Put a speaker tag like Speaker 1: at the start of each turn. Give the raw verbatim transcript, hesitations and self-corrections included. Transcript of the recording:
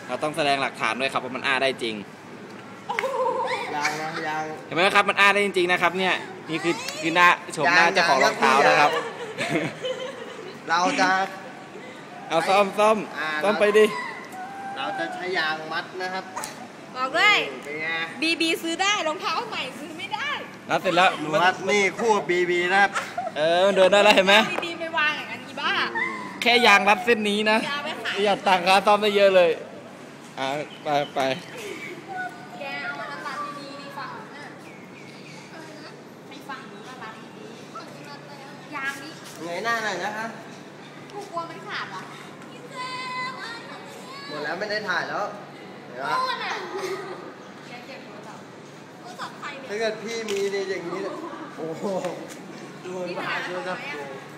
Speaker 1: เราต้องแสดงหลักฐานด้วยครับว่ามันอ้าได้จริง
Speaker 2: ยางนะยาง
Speaker 1: เห็นไหมครับมันอ้าได้จริงๆนะครับเนี่ยนี่คือคือหน้าโฉมหน้าเจ้าของรองเท้านะครับ
Speaker 2: เราจะ
Speaker 1: เอาซ่อมซ่อมซ่อมไปดิ
Speaker 2: เราจะใช้ยางมัดนะครับ
Speaker 3: บอกเลย
Speaker 2: เป็นไง
Speaker 3: บีบีซื้อได้รองเท้าใหม่ซื้อไม่ได้
Speaker 1: รัดเสร็จแล้ว
Speaker 2: มัดนี่คู่บีบีนะครับ
Speaker 1: เออมันเดินได้แล้วเห็นไหม
Speaker 3: บีบีไปวางอย่างนั้นอีบ้า
Speaker 1: แค่ยางรัดเส้นนี้นะอยากตังค์ค่าซ่อมได้เยอะเลยอ่าไปไป
Speaker 3: แกเอามารัดดีๆดีฝั่งน่ะไม่ฝั่งนี้มารัดดีๆยางนี้
Speaker 2: เงยหน้าหน่อยนะคะ
Speaker 3: กูกลัวมันขาดอ่ะ
Speaker 2: หมดแล้วไม่ได้ถ่ายแล้วเห็นไหม
Speaker 3: แกเก็บโทรศัพท์โทรศัพท์ใครเนี่ย
Speaker 2: ถ้าเกิดพี่มีในอย่างนี้โอ้โหดูมันมาดูครับ